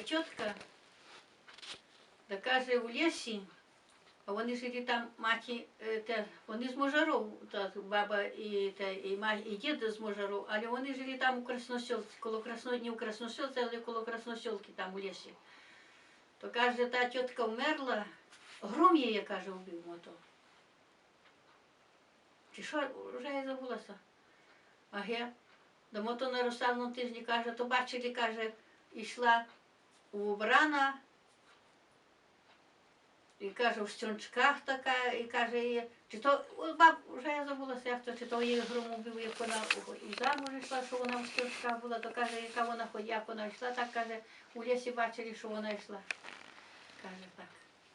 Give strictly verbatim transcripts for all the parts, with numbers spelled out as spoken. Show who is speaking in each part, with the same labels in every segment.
Speaker 1: тітка, та каже, в лісі, а вони жили там, маті, те, вони з Можаров, та, баба і, та, і, ма, і дід з Можаров, але вони жили там у Красносілці, коло Красно, не у Красносілці, але коло Красносілки там у лісі. То каже, та тітка вмерла, гром її, каже, вбив мото. Чи що, вже я забулася. А ге, до мото на Русалному тижні, каже, то бачили, каже, йшла убрана, і каже, в стюнчках така, і каже, і, чи то, баб, вже я забулася, як то, чи то її гром убив, як вона і замуж йшла, що вона в стюнчках була, то каже, яка вона ходила, як вона йшла, так каже, у лісі бачили, що вона йшла. Каже так.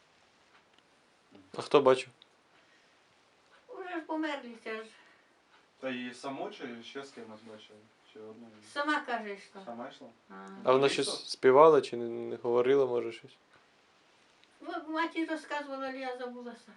Speaker 2: А хто бачив?
Speaker 1: Уже ж померли, це ж.
Speaker 3: Та її саму чи ще з кимось бачили? Чи одну?
Speaker 1: Сама каже, йшла.
Speaker 3: Сама йшла?
Speaker 1: А.
Speaker 2: А вона щось співала чи не, не говорила, може щось?
Speaker 1: Ну, матір розказувала, але я забулася.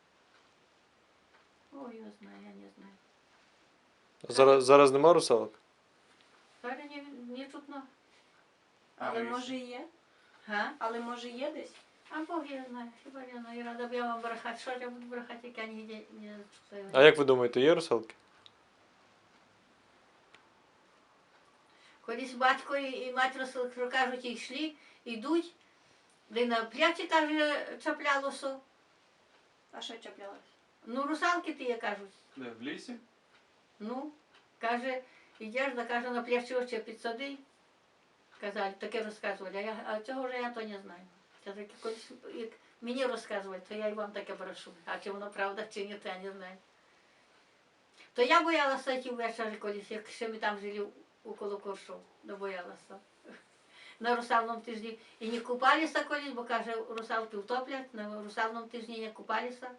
Speaker 1: Ой, я знаю, я не знаю.
Speaker 2: А зараз, зараз нема русалок?
Speaker 1: Зараз не, не чутно.
Speaker 4: Але
Speaker 3: А,
Speaker 4: може є?
Speaker 1: Га?
Speaker 4: Але може є десь?
Speaker 1: А Бог я знаю, хіба я знаю, рада б я вам брехати. Що я буду брехати, як я ніде не чую.
Speaker 2: А як ви думаєте, є русалки?
Speaker 1: Колись батько і мать розказали, кажуть, йшли, йдуть, де на пляці, каже, чаплялося.
Speaker 4: А що чіплялось?
Speaker 1: Ну, русалки ті, кажуть.
Speaker 3: Де, в лісі?
Speaker 1: Ну, каже, йдеш, да каже, на пляші очі підсади. Казали, таке розказували, а, я, а цього вже я то не знаю. Це таке, колись, як мені розказують, то я і вам таке брешу. А чи воно правда, чи ні, то я не знаю. То я боялася йти ввечері колись, як ще ми там жили около Коршов, не боялася. На русалному тижні і не купалися колись, бо каже, русалки втоплять, на русалному тижні не купалися.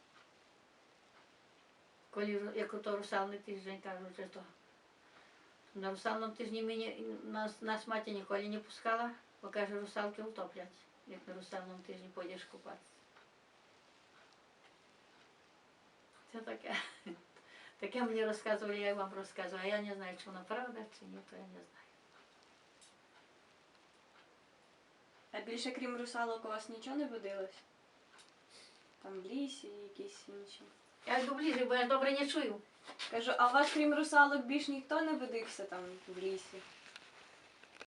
Speaker 1: Коли, як то русалний тиждень, кажуть, що то. На русалному тижні мені, нас, нас мати ніколи не пускала, бо каже, русалки втоплять, як на русалному тижні пойдеш купатися. Це таке. Таке мені розказували, я вам розказую, а я не знаю, чи воно правда, чи ні, то я не знаю.
Speaker 4: А більше крім русалок у вас нічого не водилось? Там в лісі якісь інші.
Speaker 1: Я йду ближче, бо я добре не чую.
Speaker 4: Кажу, а у вас крім русалок більш ніхто не водився там в лісі?